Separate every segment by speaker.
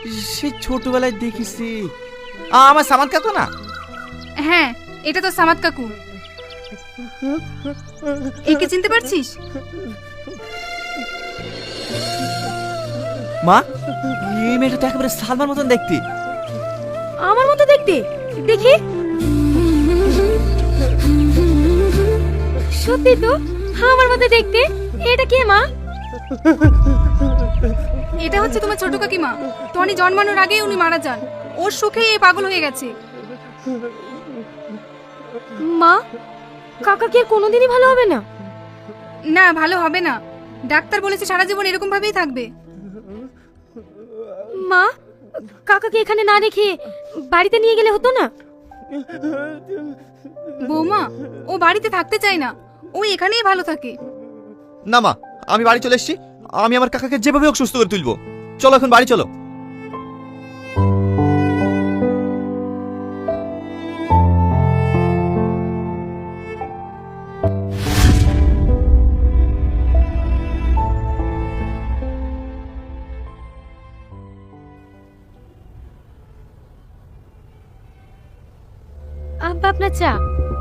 Speaker 1: সে ছোটবেলায় দেখেছি। আমার সামাদ কাকু না?
Speaker 2: হ্যাঁ, এটা তো সামাদ কাকু। একে চিনতে পারছিস?
Speaker 1: মা, এই মেয়েটা তো একেবারে সালমার মতন দেখতে।
Speaker 3: আমার মতো দেখতে? দেখি। সত্যি তো আমার মতো দেখতে। এটা কে মা?
Speaker 2: এটা হচ্ছে তোমার ছোট কাকিমা। টনি জন্মানোর আগেই উনি মারা যান। ওর সুখে এই পাগল হয়ে গেছে।
Speaker 3: মা, কাকা কি আর কোনোদিনই ভালো হবে না?
Speaker 2: না, ভালো হবে না। ডাক্তার বলেছে সারা জীবন এরকম ভাবেই থাকবে।
Speaker 3: মা, কাকাকে এখানে না রেখে বাড়িতে নিয়ে গেলে হতো না?
Speaker 2: বৌমা, ও বাড়িতে থাকতে চায় না। ও এখানেই ভালো থাকে।
Speaker 1: না মা, আমি বাড়ি চলে এসেছি। আমি আমার কাকাকে যেভাবে হোক সুস্থ করে তুলবো। চলো এখন বাড়ি চলো।
Speaker 3: আব্বা, আপনার চা।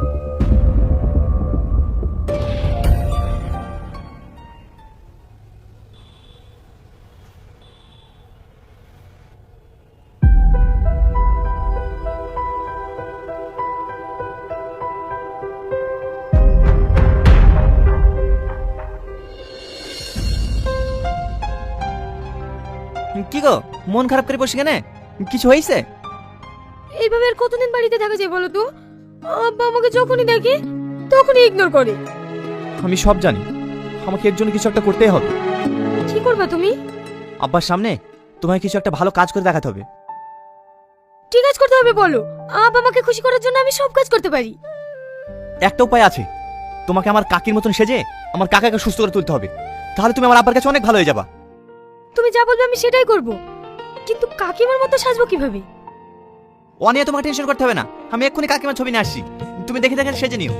Speaker 1: কি গো, মন খারাপ করে বসে কেন? কিছু হয়েছে?
Speaker 3: এইভাবে আর কতদিন বাড়িতে থাকা যায় বলো তো? আব্বা আমাকে যখনই দেখে তখনই ইগনোর করে।
Speaker 1: আমি সব জানি, আমাকে এর জন্য কিছু একটা করতেই হবে।
Speaker 3: কি করবা তুমি?
Speaker 1: আব্বার সামনে তোমায় কিছু একটা ভালো কাজ করে দেখাতে হবে।
Speaker 3: কি কাজ করতে হবে বলো? আব্বা আমাকে খুশি করার জন্য আমি সব কাজ করতে পারি।
Speaker 1: একটা উপায় আছে, তোমাকে আমার কাকির মতন সেজে আমার কাকাকে সুস্থ করে তুলতে হবে। তাহলে তুমি আমার আব্বার কাছে অনেক ভালো হয়ে যাবা।
Speaker 3: তুমি যা বলবে আমি সেটাই করব, কিন্তু কাকিমার মতো সাজবো কিভাবে?
Speaker 1: ও নিয়ে তোমাকে টেনশন করতে হবে না। আমি এক্ষুনি কাকিমার ছবি নিয়ে আসছি, তুমি দেখে দেখে সেজে নিও।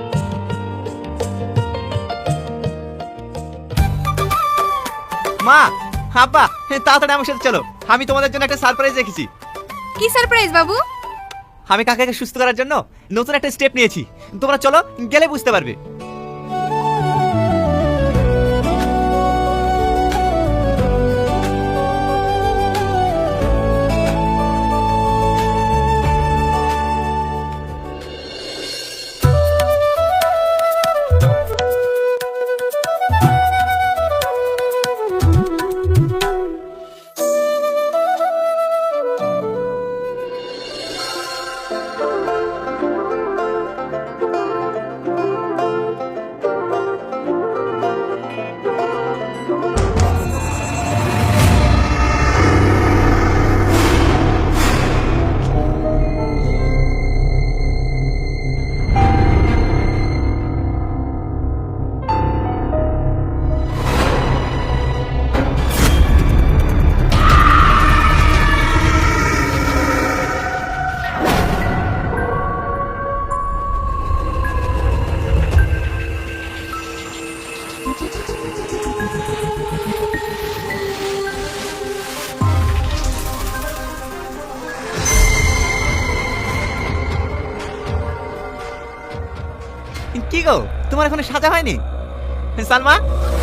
Speaker 1: মা, আব্বা, তাড়াতাড়ি আমার সাথে চলো। আমি তোমাদের জন্য একটা সারপ্রাইজ রেখেছি।
Speaker 2: কি সারপ্রাইজ বাবু?
Speaker 1: আমি কাকাকে সুস্থ করার জন্য নতুন একটা স্টেপ নিয়েছি। তোমরা চলো, গেলে বুঝতে পারবে। কি গো, তোমার এখনো সাজা হয়নি? সালমা,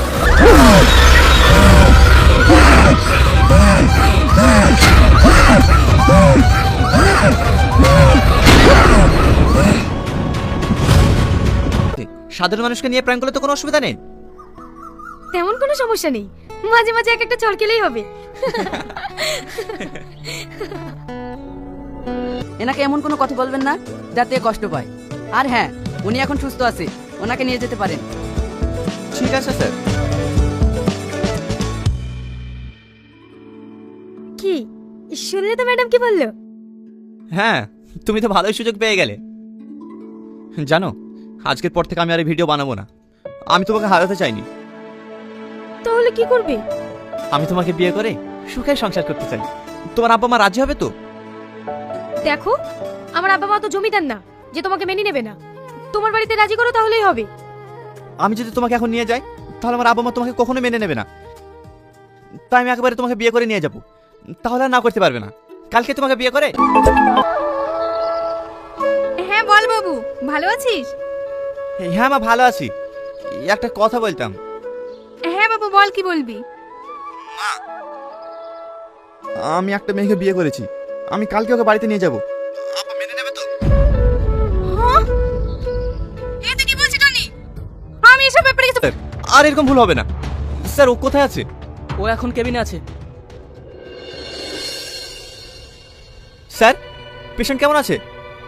Speaker 1: সাধারণ মানুষকে নিয়ে প্র্যাঙ্ক করলে তো কোনো অসুবিধা নেই।
Speaker 3: তেমন কোনো সমস্যা নেই, মাঝে মাঝে এক একটা চড়কেলেই হবে।
Speaker 4: এনাকে এমন কোনো কথা বলবেন না যাতে কষ্ট পায়। আর হ্যাঁ, উনি এখন সুস্থ আছে, ওনাকে নিয়ে যেতে পারেন।
Speaker 1: ঠিক আছে স্যার।
Speaker 3: কি শুনলে তো ম্যাডাম কি বললো?
Speaker 1: হ্যাঁ, তুমি তো ভালোই সুযোগ পেয়ে গেলে। জানো, আজকের পর থেকে আমি আর এই ভিডিও বানাবো না। আমি তোমাকে হারাতে চাইনি।
Speaker 3: তাহলে কি করবে?
Speaker 1: আমি তোমাকে বিয়ে করে সুখে সংসার করতে চাই। তোমার আব্বা মা রাজি হবে তো?
Speaker 3: দেখো, আমার আব্বা মা তো জমিদার না যে তোমাকে মেনে নেবে না। তোমার বাড়িতে রাজি করো তাহলেই হবে।
Speaker 1: আমি যদি তোমাকে এখন নিয়ে যাই তাহলে আমার আব্বা মা তোমাকে কখনো মেনে নেবে না। তাই আমি একেবারে তোমাকে বিয়ে করে নিয়ে যাব। তাহলে আর না করতে পারবে না। কালকে তোমাকে বিয়ে করে।
Speaker 2: হ্যাঁ বল বাবু, ভালো আছিস?
Speaker 1: হ্যাঁ মা, ভালো আছি। একটা কথা বলতাম।
Speaker 2: হ্যাঁ বাবু বল, কি বলবি?
Speaker 1: আমি একটা মেয়েকে বিয়ে করেছি, আমি কালকে ওকে বাড়িতে নিয়ে যাব। আপা মেনে নেবে তো?
Speaker 2: হ্যাঁ? এ তুই কি বলছিস টনি? আমি এসব ব্যাপারে কিছু
Speaker 1: আর এরকম ভুল হবে না। স্যার ও কোথায় আছে?
Speaker 4: ও এখন কেবিনে আছে।
Speaker 1: স্যার পেশেন্ট কেমন আছে?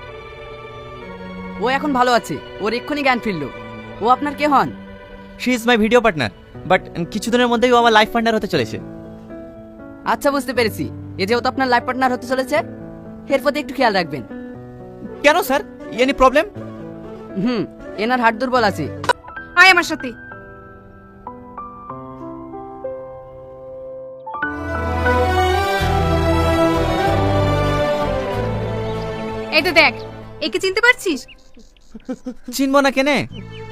Speaker 4: ও এখন ভালো আছে, ওর এক্ষুনি জ্ঞান ফিরল। ও আপনার কে হন?
Speaker 1: She is my video partner, but কিছুদিনের মধ্যেই ও আমার লাইফ পার্টনার হতে চলেছে।
Speaker 4: আচ্ছা বুঝতে পেরেছি, এ যেহেতু আপনার লাইফ পার্টনার হতে চলেছে, এর প্রতি একটু খেয়াল রাখবেন।
Speaker 1: কেন স্যার, এনি প্রবলেম?
Speaker 4: এনার হাড় দুর্বল আছে।
Speaker 2: আয় আমার সাথে। এই তো দেখ, একে চিনতে পারছিস?
Speaker 1: চিনবো না কেনে?